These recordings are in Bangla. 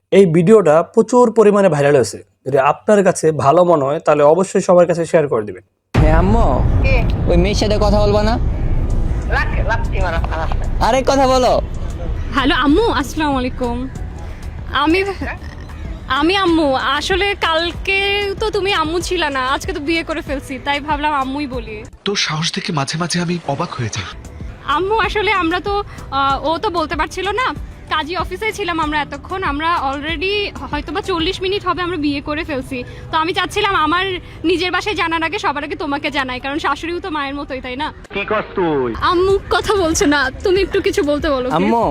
এই ভিডিওটা প্রচুর পরিমাণে ভাইরাল হয়েছে। যদি আপনার কাছে ভালো মনে হয় তাহলে অবশ্যই সবার কাছে শেয়ার করে দিবেন। হ্যাঁ আম্মু, ওই মেয়ের সাথে কথা বলবা না? আরে কথা বলো। হ্যালো আম্মু, আসসালামু আলাইকুম। আমি আম্মু, আসলে কালকে তো তুমি আম্মু ছিল না, আজকে তো বিয়ে করে ফেলছি, তাই ভাবলাম আম্মুই বলি। তোর সাহস দেখে মাঝে মাঝে আমি অবাক হয়ে যাই। আম্মু আসলে আমরা তো ও তো বলতে পারছিল না, কাজী অফিসে ছিলাম আমরা এতক্ষণ, আমরা অলরেডি হয়তোবা 40 মিনিট হবে আমরা বিয়ে করে ফেলছি। তো আমি চাচ্ছিলাম আমার নিজের বাসায় জানার আগে সবার আগে তোমাকে জানাই, কারণ শাশুড়িও তো মায়ের মতোই, তাই না? কি করছ তুই? আম্মু কথা বলছে না, তুমি একটু কিছু বলতে বলো please। আম্মু,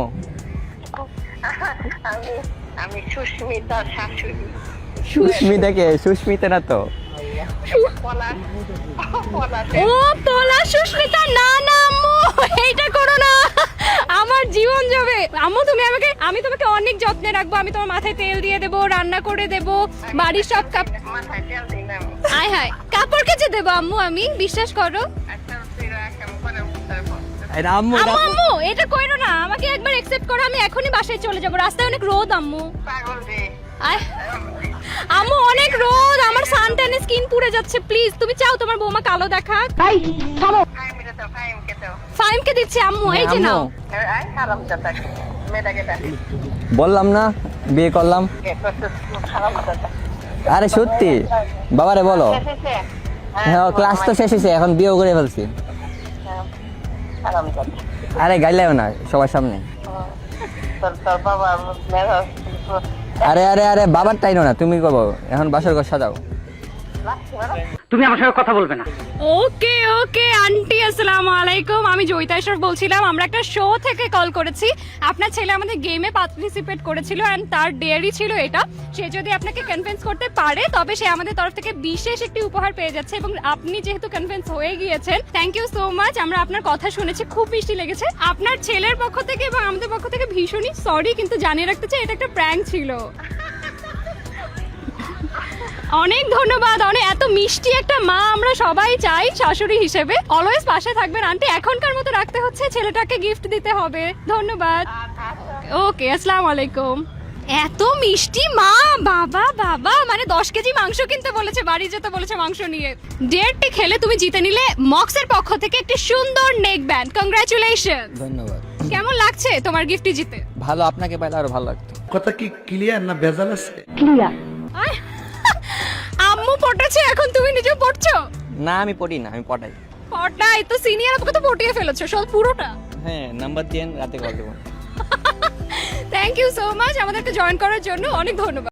আমি সুস্মিতা শাশুড়ি। সুস্মিতাকে? সুস্মিতা না তো। পলাশ ও পলা সুস্মিতা, না না আম্মু এইটা করো না, আমার জীবন যাবে। আম্মু আমি তোমাকে অনেক যত্নে রাখবো, আমি তোমার মাথায় তেল দিয়ে দেবো, রান্না করে দেবো, বাড়ির সব মাথায় তেল দিলাম। আয় হায় কাপড় কেচে দেবো আম্মু, আমি বিশ্বাস করো। একটা তুইরা কেমন করে উঠতে এটা আম্মু, আম্মু আম্মু এটা কইরো না, আমাকে একবার অ্যাকসেপ্ট করো, আমি এখনই বাসায় চলে যাবো, রাস্তায় অনেক রোদ আম্মু। পাগল রে। আয় আম্মু অনেক রোদ, আমার সানট্যানে স্কিন পুড়ে যাচ্ছে, প্লিজ তুমি চাও তোমার বৌমা কালো দেখাক? ফাইমকে দাও, ফাইমকে দাও। ফাইমকে দিচ্ছি আম্মু, এই যে নাও। আই খারাপ কথা। মেয়েটাকে ডাক। বললাম না বিয়ে করলাম। খারাপ কথা। আরে সত্যি বাবারে বলো। শেষে হ্যাঁ ক্লাস তো শেষ হয়েছে, এখন বিয়েও করে ফেলছি। খারাপ কথা। আরে গাইলেও না সবার সামনে। তোর বাবা মেয়েরা আরে আরে আরে বাবার টাইনো না, তুমি করবো এখন বাসর ঘর সাজাও। তুমি আমার সঙ্গে কথা বলবে না। ওকে ওকে আন্টি, আসসালামু আলাইকুম। আমি জয়িতাশ্বর বলছিলাম, আমরা একটা শো থেকে কল করেছি। আপনার ছেলে আমাদের গেমে পার্টিসিপেট করেছিল এন্ড তার ডেয়ারি ছিল এটা। সে যদি আপনাকে কনভিন্স করতে পারে তবে সে আমাদের তরফ থেকে বিশেষ একটি উপহার পেয়ে যাচ্ছে, এবং আপনি যেহেতু কনভিন্স হয়ে গিয়েছেন, থ্যাংক ইউ সো মাচ। আমরা আপনার কথা শুনেছি, খুব মিষ্টি লেগেছে। আপনার ছেলের পক্ষ থেকে এবং আমাদের পক্ষ থেকে ভীষণই সরি, কিন্তু জানিয়ে রাখতে চাই এটা একটা প্র্যাঙ্ক ছিল। অনেক ধন্যবাদ, অনেক এত মিষ্টি একটা মা আমরা সবাই চাই শাশুড়ি হিসেবে। অলওয়েজ পাশে থাকবেন আন্টি, এখনকার মতো রাখতে হচ্ছে, ছেলেটাকে গিফট দিতে হবে। ধন্যবাদ। ওকে আসসালামু আলাইকুম। এত মিষ্টি মা, বাবা বাবা, মানে 10 কেজি মাংস কিনতে বলেছে, বাড়ি যেতে বলেছে মাংস নিয়ে। ডেটটি খেলে তুমি জিতে নিলে মক্সের পক্ষ থেকে একটি সুন্দর নেক ব্যান্ড। কংগ্রাচুলেশন। ধন্যবাদ। কেমন লাগছে তোমার গিফটটি জিতে? ভালো, আপনাকে পাইলে আরো ভালো লাগতো। কথা কি ক্লিয়ার না ভেজাল আছে? আয়, আম্মু পটেছে, এখন তুমি নিজেও পড়ছো? না আমি পড়ি না, আমি পড়াই। পটাই তো সিনিয়র, আপনাকে তো পটিয়ে ফেলেছো সব পুরোটা। হ্যাঁ নাম্বার দিন, রাতে কল দেবো। থ্যাংক ইউ সো মাচ আমাদেরকে জয়েন করার জন্য, অনেক ধন্যবাদ।